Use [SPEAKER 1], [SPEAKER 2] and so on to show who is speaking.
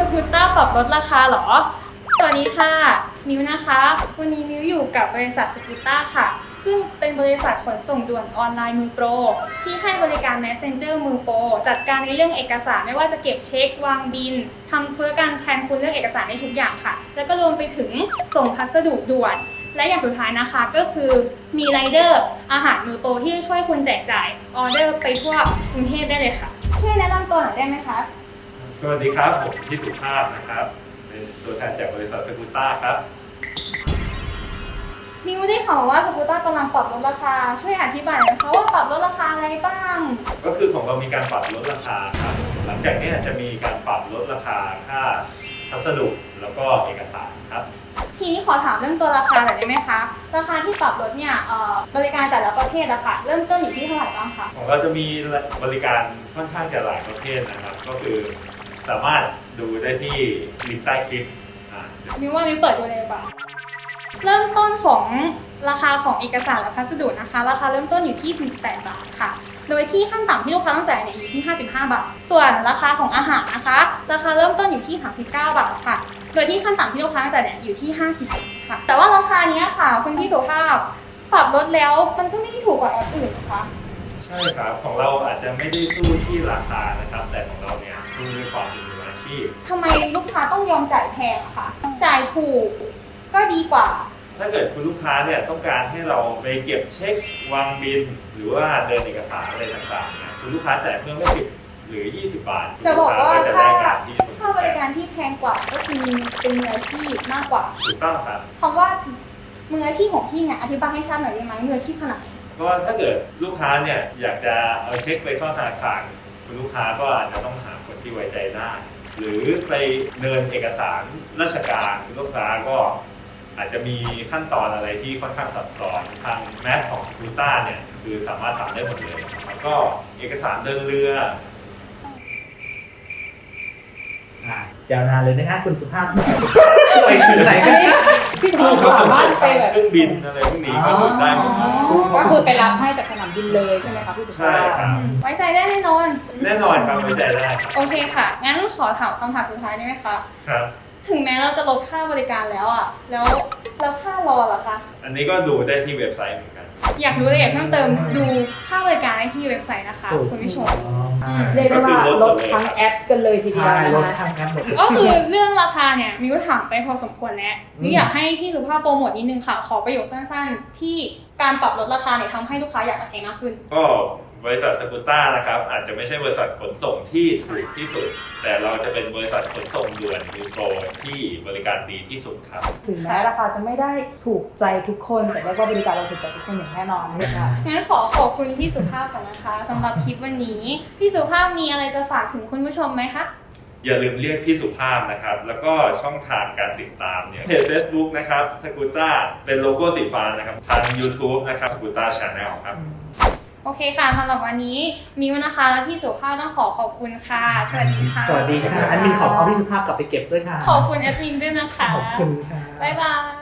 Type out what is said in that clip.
[SPEAKER 1] กูตเตอร์ปรับลดราคาเหรอสวัสดีค่ะมิวนะคะวันนี้มิวอยู่กับบริษัทสกูตเตอร์ค่ะซึ่งเป็นบริษัทขนส่งด่วนออนไลน์มือโปรที่ให้บริการ Messenger มือโปรจัดการในเรื่องเอกสารไม่ว่าจะเก็บเช็ควางบินทำธุรการแทนคุณเรื่องเอกสารได้ทุกอย่างค่ะแล้วก็รวมไปถึงส่งพัสดุด่วนและอย่างสุดท้ายนะคะก็คือมีไรเดอร์อาหารมือโปรที่จะช่วยคุณแจกจ่ายออเดอร์ไปทั่วกรุงเทพได้เลยค่ะช่วยแนะนำตัวหน่อยได้ไหมคะ
[SPEAKER 2] สวัสดีครับผมพี่สุภาพนะครับเป็นตัวแทนจากบริษัทสกูตเตอร์ครับ
[SPEAKER 1] มิวได้ข่าวว่าสกูตเตอร์กำลังปรับลดราคาช่วยอธิบายหน่อยนะคะว่าปรับลดราคาอะไรบ้าง
[SPEAKER 2] ก็คือของเรามีการปรับลดราคาครับหลังจากนี้จะมีการปรับลดราคาค่าพัสดุแล้วก็เอกสารครับ
[SPEAKER 1] ทีนี้ขอถามเรื่องตัวราคาหน่อยได้ไหมคะราคาที่ปรับลดเนี่ยบริการแต่ละประเภทอะค่ะเริ่มต้นอยู่ที่เท่าไหร่บ้างคะ
[SPEAKER 2] ของเราจะมีบริการค่อนข้างจะหลายประเภทนะครับก็คือสามารถดูได้ที่ลิงก์ใต้คลิป
[SPEAKER 1] มิวว่ามิวเปิดดูเลยป่ะเริ่มต้นของราคาของเอกสารและพัสดุนะคะราคาเริ่มต้นอยู่ที่48บาทค่ะโดยที่ขั้นต่ำที่ลูกค้าต้องจ่ายเนี่ยอยู่ที่55บาทส่วนราคาของอาหารนะคะราคาเริ่มต้นอยู่ที่39บาทค่ะโดยที่ขั้นต่ำที่ลูกค้าต้องจ่ายเนี่ยอยู่ที่50บาทค่ะแต่ว่าราคานี้ค่ะคุณพี่สุภาพปรับลดแล้วมันก็ไม่ได้ถูกกว่าแอปอื่นนะคะ
[SPEAKER 2] ใช่ครับของเราอาจจะไม่ได้สู้ที่ราคานะครับแต่ของเราเนี่ยสู้ด้วยความเป็นมืออาชีพ
[SPEAKER 1] ทำไมลูกค้าต้องยอมจ่ายแพงอะคะจ่ายถูกก็ดีกว่า
[SPEAKER 2] ถ้าเกิดคุณลูกค้าเนี่ยต้องการให้เราไปเก็บเช็ควางบินหรือว่าเดินเอกสารอะไรต่างๆเนี่ยคุณลูกค้าจ่ายเพิ่มแค่10หรือ20บาท
[SPEAKER 1] จะบอกว่าค่าบริการที่แพงกว่าก็คือเป็นมืออาชีพมากกว่า
[SPEAKER 2] ถูกต้องครับ
[SPEAKER 1] คำว่ามืออาชีพของพี่เนี่ยอธิบายให้ชัดหน่อยได้ไหมมืออาชีพขนาดไหน
[SPEAKER 2] ก็ถ้าเกิดลูกค้าเนี่ยอยากจะเอาเช็คไปเข้าธนาคารคุณลูกค้าก็อาจจะต้องหาคนที่ไว้ใจได้หรือไปเดินเอกสารราชการคุณลูกค้าก็อาจจะมีขั้นตอนอะไรที่ค่อนข้างซับซ้อนทางแมสของสกูตเตอร์เนี่ยคือสามารถทำได้หมดเลยแล้วก็เอกสารเดินเรื
[SPEAKER 3] อยาวนานเลยนะฮะคุณสุภาพไปถึงไหนกัน
[SPEAKER 4] พี่สุภาพสามารถไปแบบ
[SPEAKER 2] เครื่องบินอะไรพวกนี้ก็คือได้หมด
[SPEAKER 4] ก็คือไปรับให้จากสนามบินเลยใช่ไหมคะพี่สุภาพ
[SPEAKER 2] ใช่ครับ
[SPEAKER 1] ไว้ใจได้แน่นอน
[SPEAKER 2] ครับไว้ใจได้
[SPEAKER 1] โอเคค่ะงั้นขอถามคำถามสุดท้ายได้ไหมคะ
[SPEAKER 2] ครับ
[SPEAKER 1] ถึงแม้เราจะลดค่าบริการแล้วอ่ะแล้วค่ารอเหรอคะ
[SPEAKER 2] อันนี้ก็ดูได้ที่เว็บไซต์เหมือนกัน
[SPEAKER 1] อยากรู้รายละเอียดเพิ่มเติมดูค่าบริการได้ที่เว็บไซต์นะคะคุณผู้ชม
[SPEAKER 4] เรียกได้ว่าลดทั้งแอปกันเลยทีเดียวนะคะ
[SPEAKER 1] ก็คือเรื่องราคาเนี่ยมิวถามไปพอสมควรแล้วมิวอยากให้พี่สุภาพโปรโมทนิดนึงค่ะขอประโยคสั้นๆที่การปรับลดราคาเนี่ยทำให้ลูกค้าอยากมาใช้มากขึ้น
[SPEAKER 2] ก็บริษัทสกูตเตอร์นะครับอาจจะไม่ใช่บริษัทขนส่งที่ถูกที่สุดแต่เราจะเป็นบริษัทขนส่งด่วนมือโปรที่บริการดีที่สุดครับ
[SPEAKER 4] ถึงแม้ราคาจะไม่ได้ถูกใจทุกคนแต่ว่าบริการเราถูกใจทุกคนอย่างแน่นอนนะคะ
[SPEAKER 1] งั้นขอบคุณพี่สุภาพก่อนนะคะสำหรับคลิปวันนี้พี่สุภาพมีอะไรจะฝากถึงคุณผู้ชมไหมคะ
[SPEAKER 2] อย่าลืมเรียกพี่สุภาพนะครับแล้วก็ช่องทางการติดตามเนี่ยเพจ Facebook นะครับสกูตเตอร์เป็นโลโก้สีฟ้านะครับทาง YouTube นะครับสกูตเตอร์ Channel ครับ
[SPEAKER 1] โอเคค่ะสำหรับวันนี้มิวนะคะและพี่สุภาพต้องขอบคุณค่ะสวัสดีค่ะ
[SPEAKER 3] สวัสดีค่ะแอดมินขอเอาพี่สุภาพกลับไปเก็บด้วยค่ะ
[SPEAKER 1] ขอบคุณแอดมินด้วยนะคะ
[SPEAKER 3] ขอบคุณค่ะ
[SPEAKER 1] บ๊ายบาย